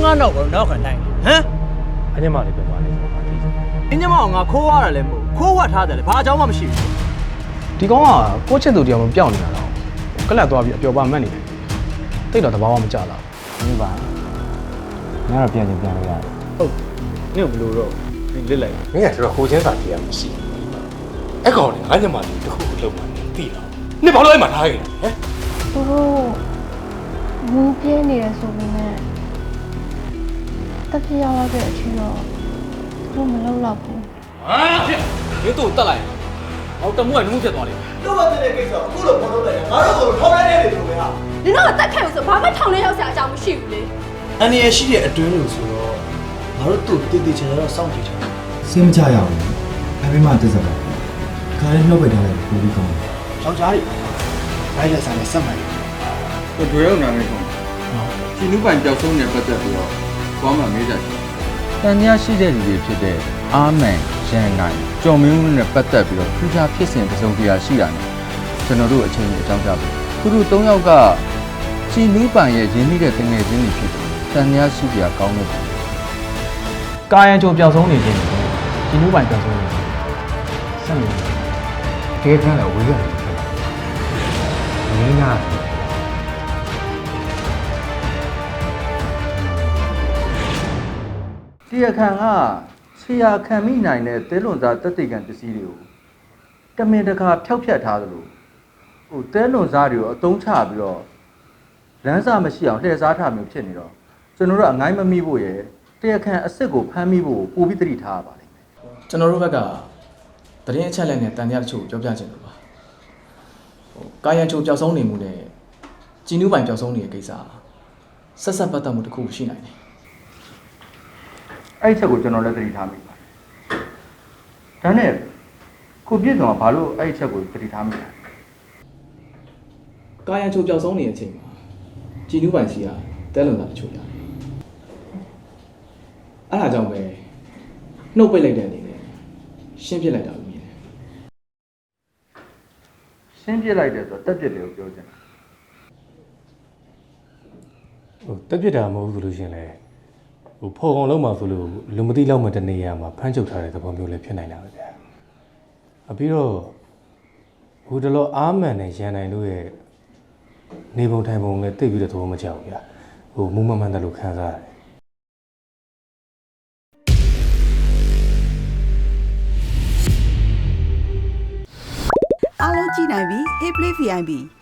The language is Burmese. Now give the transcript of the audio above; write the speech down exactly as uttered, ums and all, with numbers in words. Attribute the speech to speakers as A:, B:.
A: နောက်ကိုနောက်ခံနိုင်ဟမ်အညမလေးပြောပါလေအညမကငါခိုးရတာလည်းမဟုတ်ခိုးဝတ်ထားတယ်လေဘာအကြောင်းမှမရှိဘူးဒီကောင်ကကိုချစ်သူတရားမပြောင်းနေတာတော့ကလပ်သွားပြီးအပျော်ပါမှတ်နေတယ်တိတ်တော့တဘာဝမကြလားဒီပါငါတော့ပြန်ချင်းပြန်လို့ရတယ်ဟုတ်နင့်ဘလို့တော့နင်လစ်လိုက်မင်းကတော်တော်ဟိုချင်းစာကြည့်ရမရှိအဲ့ကောင်လေငါညမလေးတခုလုံးမှသိလားနင်ဘာလို့အဲ့မှာထားခဲ့လဲဟမ်
B: သူတို့မူးပြင်းနေရဆိုပေမဲ့တက်ပြရောက်လာတဲ့အချိန်တော့သူတို့မလောက်တော့ဘူး
A: ဟာဖြစ်မင်းတို့တက်လိုက်ဟောတမှုကနှမှုဖြစ်သွားလိမ့်မယ်တို့ဘာတဲ့ကိစ္စအခုလိုပေါ်လို့လိုက်ငါတို့ကိုထောက်လိုက်နေတယ်လို့ပဲဟာ
B: နင်တို့ကတက်ခဲ့လို့ဆိုဘာမှထောင်လဲရောက်စရာအကြောင်းမရှိဘူးလေ
C: အန်ရရှိတဲ့အတွင်းလို့ဆိုတော့ငါတို့တို့တည်တည်ချာချာတော့စောင့်ကြည့်ချင်တယ်
D: စင်းမချရအောင်အမေမတက်စပါခါလေးနှုတ်ပိတ်ထားလိုက်ပူပြီးကောင်းတယ်
C: ယောက်ျားတွေလိုက်လက်ဆိုင်နဲ့ဆက်မှန်တယ်
E: ကိုတွေ့ရုံနာမည်ဆုံးဒီနုပိုင်ကြောက်ဆုံးနေပတ်သက်ပြီးတော့ဘာမှမေးကြတယ်
F: တန်ညာရှိတဲ့လူတွေဖြစ်တဲ့အာမန်ရန်နိုင်ကျော်မင်းဦးနဲ့ပတ်သက်ပြီးတော့ထူးခြားဖြစ်စဉ်ပစုံတရားရှိတာနဲ့ကျွန်တော်တို့အချင်းချင်းအကြောင်းကြားပြီးသူတို့၃ယောက်ကချီနူးပိုင်ရဲ့ရင်းနှီးတဲ့တငယ်ချင်းတွေဖြစ်တယ်တန်ညာရှိကြကောင်းလို့
A: ကာယံကြုံပျောက်ဆုံးနေခြင်းဒီနူးပိုင်ပျောက်ဆုံးနေဆက်နေတယ်
F: တကယ်ကလည်းဝေးရတယ်မင်းကတရားခံကဆရာခံမိနိုင်တဲ့သဲလွန်သားတက်တိကံပစ္စည်းတွေကိုတမင်တကာဖျောက်ဖျက်ထားသလိုဟိုသဲလွန်သားတွေကိုအသုံးချပြီးတော့လမ်းစာမရှိအောင်လှည့်စားထားမျိုးဖြစ်နေတော့ကျွန်တော်တို့အငိုင်းမမိဖို့ရယ်တရားခံအစ်စ်ကိုဖမ်းမိဖို့ပို့ပြီးတတိထားရပါလိမ့်မယ်
A: ကျွန်တော်တို့ဘက်ကတရင်အချက်လက်နဲ့တန်တရားတချို့ပြောပြချင်လို့ပါဟိုကာယံချိုပျောက်ဆုံးနေမှုနဲ့ជីနူးပိုင်ပျောက်ဆုံးနေတဲ့ကိစ္စဆက်ဆက်ပတ်သက်မှုတစ်ခုရှိနိုင်တယ်
F: အဲ့ချက်ကိုကျွန်တော်လည်းသတိထားမိပါတယ်။ဒါနဲ့ကိုပြည့်စုံကဘာလို့အဲ့ချက်ကိုသတိထားမိလဲ
A: ။ကာယံချိုပျောက်ဆုံးနေတဲ့အချိန်မှာជីနူးပိုင်စီကတဲလွန်တာတချို့ရတယ်။အဲ့ဒါကြောင့်ပဲနှုတ်ပိတ်လိုက်တဲ့အနေနဲ့ရှင်းပြလိုက်တာလို့မြင်တယ်
F: ။ရှင်းပြလိုက်တယ်ဆိုတော့တက်ပြစ်တယ်ကိုပြောချင်တယ်
G: ။ဟိုတက်ပြစ်တာမဟုတ်ဘူးဆိုလို့ရှင်လေဟိုဖော်ကောင်လုံးမှာဆိုလို့လူမသိလောက်မှတနေရာမှာဖမ်းချုပ်ထားတဲ့သဘောမျိုးလည်းဖြစ်နိုင်တာပဲဗျာအပြီးတော့ဟိုတလောအားမှန်နဲ့ရန်နိုင်လို့ရဲ့နေပုံထိုင်ပုံလည်းတိတ်ပြီးတော့သဘောမကျဘူးဗျာဟိုမူးမမှန်တယ်လို့ခံစားရတယ်
H: အားလုံးကြည့်နိုင်ပြီ Hey Play ဗီ အိုင် ပီ